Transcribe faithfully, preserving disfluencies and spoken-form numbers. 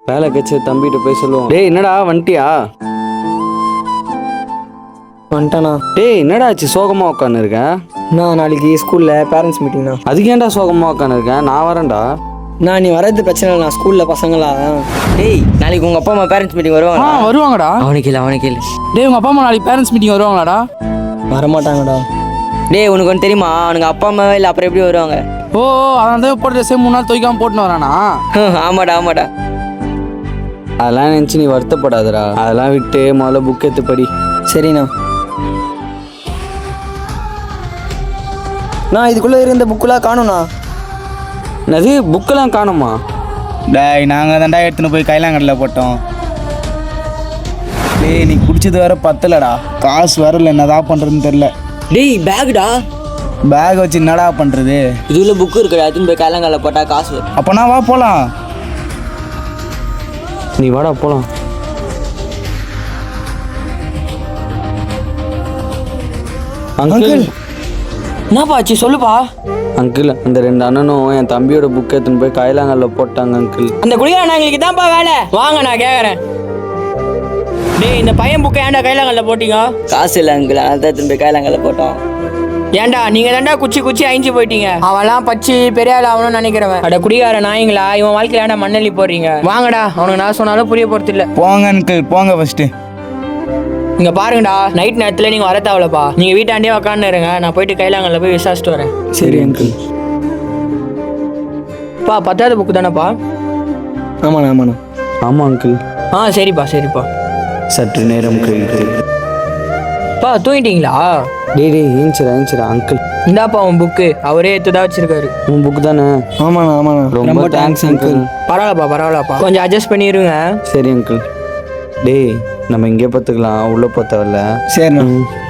வேலை கட்சி தம்பிகிட்ட போய் சொல்லுவோம். டேய் என்னடா வந்துட்டியா? வந்துட்டானா? டேய் என்னடா ஆச்சு சோகமா உட்காந்து இருக்கேன்? நான் நாளைக்கு ஸ்கூலில் பேரண்ட்ஸ் மீட்டிங்ண்ணா. அதுக்கு ஏன்டா சோகமா உட்காந்து இருக்கேன்? நான் வரேன்டா. நான் நீ வரது பிரச்சனை இல்லை, ஸ்கூலில் பசங்களா. டேய் நாளைக்கு உங்கள் அப்பா அம்மா பேரண்ட்ஸ் மீட்டிங் வருவாங்க. ஆ வருவாங்கடா. அவனுக்கு இல்லை அவனுக்கு இல்லை. டேய் உங்கள் அப்பா அம்மா நாளைக்கு பேரண்ட்ஸ் மீட்டிங் வருவாங்களாடா? வரமாட்டாங்கடா. டேய் உனக்கு ஒன்று தெரியுமா, அவனுக்கு அப்பா அம்மாவே இல்லை, அப்புறம் எப்படி வருவாங்க? ஓ அதனால தான் போட்டு ட்ரெஸ்ஸே மூணு நாள் துவைக்காமல் போட்டுன்னு வரானா? ஆமாடா ஆமாடா. அதெல்லாம் நினச்சி நீ வருத்தப்படாதடா. அதெல்லாம் விட்டு முதல்ல புக் எடுத்து படி. சரிண்ணா. நான் இதுக்குள்ளே இருந்த புக்கெலாம் காணும்ண்ணா. என்னது புக்கெல்லாம் காணுமா? டேய் நாங்கள் தான்டா எடுத்துன்னு போய் கைலாங்கடலில் போட்டோம். டேய் நீ குடிச்சது வேற பத்தலடா, காசு வரல, என்னதான் பண்ணுறதுன்னு தெரில. டேய் பேக்குடா. பேக் வச்சு என்னடா பண்ணுறது? இதுல புக்கு இருக்குடா, அதுன்னு போய் கைலாங்கால போட்டால் காசு வரும். அப்போனா வா போகலாம். நீ வாடா போலாம். அங்கிள் என்னப்பா ஆச்சு சொல்லுப்பா. அங்கிள் அந்த ரெண்டு அண்ணனும் என் தம்பியோட புக் எடுத்துன்னு போய் கைலாங்கல்ல போட்டாங்க அங்கிள். அந்த குடிகாரங்களுக்கு தான்ப்பா வேலை. வாங்க நான் கேட்குறேன். டேய் இந்த பையன் புக்கை ஏன்டா கைலாங்கல்ல போட்டீங்க? காசு இல்லை அங்கிள், அதை தான் போய் கைலாங்கல்ல போட்டோம். ஏன்டா நீங்க தான்டா குச்சி குச்சி அழிஞ்சு போயிட்டீங்க. அவன்லாம் பச்சு பெரிய ஆள் ஆகணும்னு நினைக்கிறவன். அட குடிகார நாயங்களா, இவன் வாழ்க்கையில ஏன்டா மண்ணள்ளி போடுறீங்க? வாங்கடா, அவனுக்கு நான் சொன்னாலும் புரிய போறது இல்லை. போங்க அங்கிள் போங்க ஃபஸ்ட்டு. இங்க பாருங்கடா, நைட் நேரத்துல நீங்க வர தேவலப்பா. நீங்க வீட்டாண்டே உக்காந்து இருங்க, நான் போயிட்டு கைலாங்கல்ல போய் விசாரிச்சுட்டு வரேன். சரி அங்கிள். பா பத்தாவது புக்கு தானேப்பா? ஆமாண்ணா ஆமாண்ணா. ஆமாம் அங்கிள். ஆ சரிப்பா சரிப்பா. சற்று நேரம் கழித்து. பா தூங்கிட்டீங்களா? டேய் டேய் ஏஞ்சிரா ஏஞ்சிரா அங்கிள். இந்தாப்பா உன் புக்கு, அவரே எடுத்துதான் வச்சிருக்காரு. உன் புக்கு தானே? ஆமாண்ணா ஆமாண்ணா. ரொம்ப தேங்க்ஸ் அங்கிள். பரவாயில்லப்பா பரவாயில்லப்பா, கொஞ்சம் அட்ஜஸ்ட் பண்ணிடுங்க. சரி அங்கிள். டேய் நம்ம இங்கே பார்த்துக்கலாம், உள்ளே பார்த்தவல்ல. சரிண்ணா. ம்